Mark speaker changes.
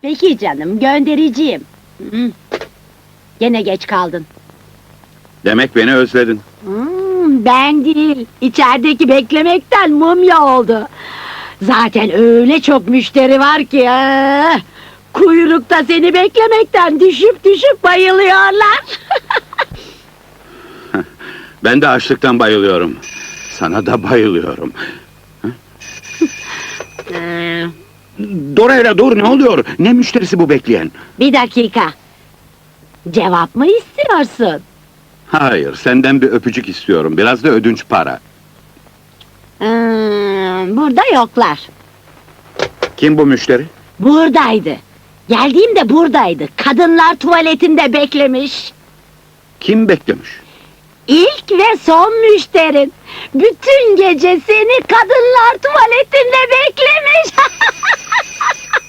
Speaker 1: Peki canım, göndereceğim. Hı. Gene geç kaldın.
Speaker 2: Demek beni özledin.
Speaker 1: Ben değil, içerideki beklemekten mumya oldu. Zaten öyle çok müşteri var ki... Kuyrukta seni beklemekten düşüp düşüp bayılıyorlar.
Speaker 2: Ben de açlıktan bayılıyorum. Sana da bayılıyorum. Dorayla dur, ne oluyor? Ne müşterisi bu bekleyen?
Speaker 1: Bir dakika. Cevap mı istiyorsun?
Speaker 2: Hayır, senden bir öpücük istiyorum. Biraz da ödünç para.
Speaker 1: Burada yoklar.
Speaker 2: Kim bu müşteri?
Speaker 1: Buradaydı. Geldiğimde buradaydı. Kadınlar tuvaletinde beklemiş.
Speaker 2: Kim beklemiş?
Speaker 1: İlk ve son müşterin. Bütün gece seni kadınlar tuvaletinde beklemiş.